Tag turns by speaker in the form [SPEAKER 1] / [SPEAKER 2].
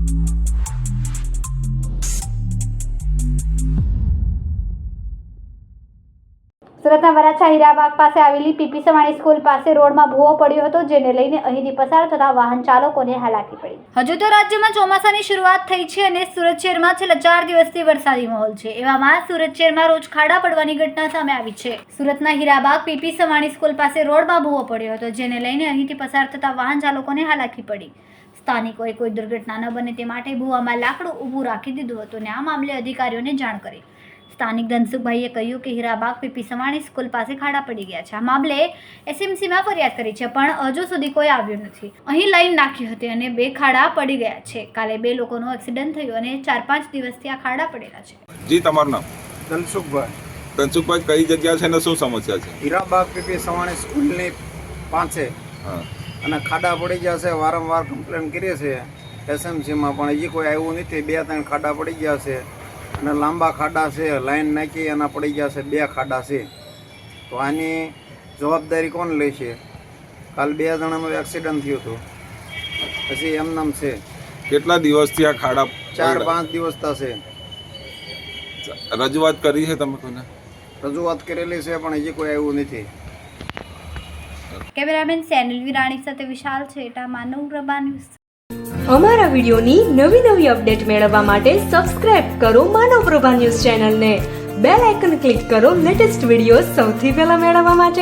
[SPEAKER 1] સુરતના વરાછા હીરાબાગ પાસે આવેલી પીપી સવાણી સ્કૂલ પાસે રોડમાં ભૂવો પડ્યો હતો, જેને લઈને અહીંથી પસાર થતા વાહન ચાલકોને હાલાકી પડી. હજુ તો રાજ્યમાં ચોમાસાની શરૂઆત થઈ છે અને સુરત શહેરમાં છેલ્લા 4 દિવસથી વરસાદી માહોલ છે. એવામાં સુરત શહેરમાં રોજ ખાડા પડવાની ઘટના સામે આવી છે. સુરતના હીરાબાગ પીપી સવાણી સ્કૂલ પાસે રોડમાં ભૂવો પડ્યો હતો, જેને લઈને અહીંથી પસાર થતા વાહન ચાલકોને હાલાકી પડી. સ્થાનિકોએ કોઈ દુર્ઘટના ન બને તે માટે ભૂવામાં લાકડું ઊભું રાખી દીધું હતું અને આ મામલે અધિકારીઓને જાણ કરી. સ્થાનિક ધનસુખભાઈએ કહ્યું કે હીરાબાગ પીપી સવાણી સ્કૂલ પાસે ખાડા પડી ગયા છે. આ મામલે એસએમસીમાં ફરિયાદ કરી છે, પણ હજુ સુધી કોઈ આવ્યું નથી. અહીં લાઈન નાખી હતી અને 2 ખાડા પડી ગયા છે. કાલે 2 લોકોનો એક્સિડન્ટ થયો અને 4-5 દિવસથી આ ખાડા પડેલા છે.
[SPEAKER 2] જી, તમારું નામ?
[SPEAKER 3] ધનસુખભાઈ.
[SPEAKER 2] ધનસુખભાઈ, કઈ જગ્યા છે અને શું સમસ્યા છે?
[SPEAKER 3] હીરાબાગ પીપી સવાણી સ્કૂલની પાસે અને ખાડા પડી ગયા છે. વારંવાર કમ્પ્લેન કરીએ છીએ એસએમસીમાં, પણ હજી કોઈ આવ્યું નથી. 2-3 ખાડા પડી ગયા છે અને લાંબા ખાડા છે. લાઈન નાખી એના પડી ગયા છે 2 ખાડા છે. તો આની જવાબદારી કોણ લે છે? કાલ 2 જણાનું એક્સિડન્ટ થયું હતું, પછી એમનામ છે.
[SPEAKER 2] કેટલા દિવસથી આ ખાડા?
[SPEAKER 3] 4-5 દિવસ થશે.
[SPEAKER 2] રજૂઆત કરી છે તમે કોને?
[SPEAKER 3] રજૂઆત કરેલી છે, પણ હજી કોઈ આવ્યું નથી.
[SPEAKER 1] કેમેરામેન સેનિલ વિરાણી સાથે વિશાલ છેટા, માનવ પ્રભા ન્યૂઝ.
[SPEAKER 4] અમારા વિડિયોની નવી અપડેટ મેળવવા માટે સબસ્ક્રાઇબ કરો માનવ પ્રભા ન્યૂઝ ચેનલને. બેલ આઇકન ક્લિક કરો લેટેસ્ટ વિડિયો સૌથી પહેલા મેળવવા માટે.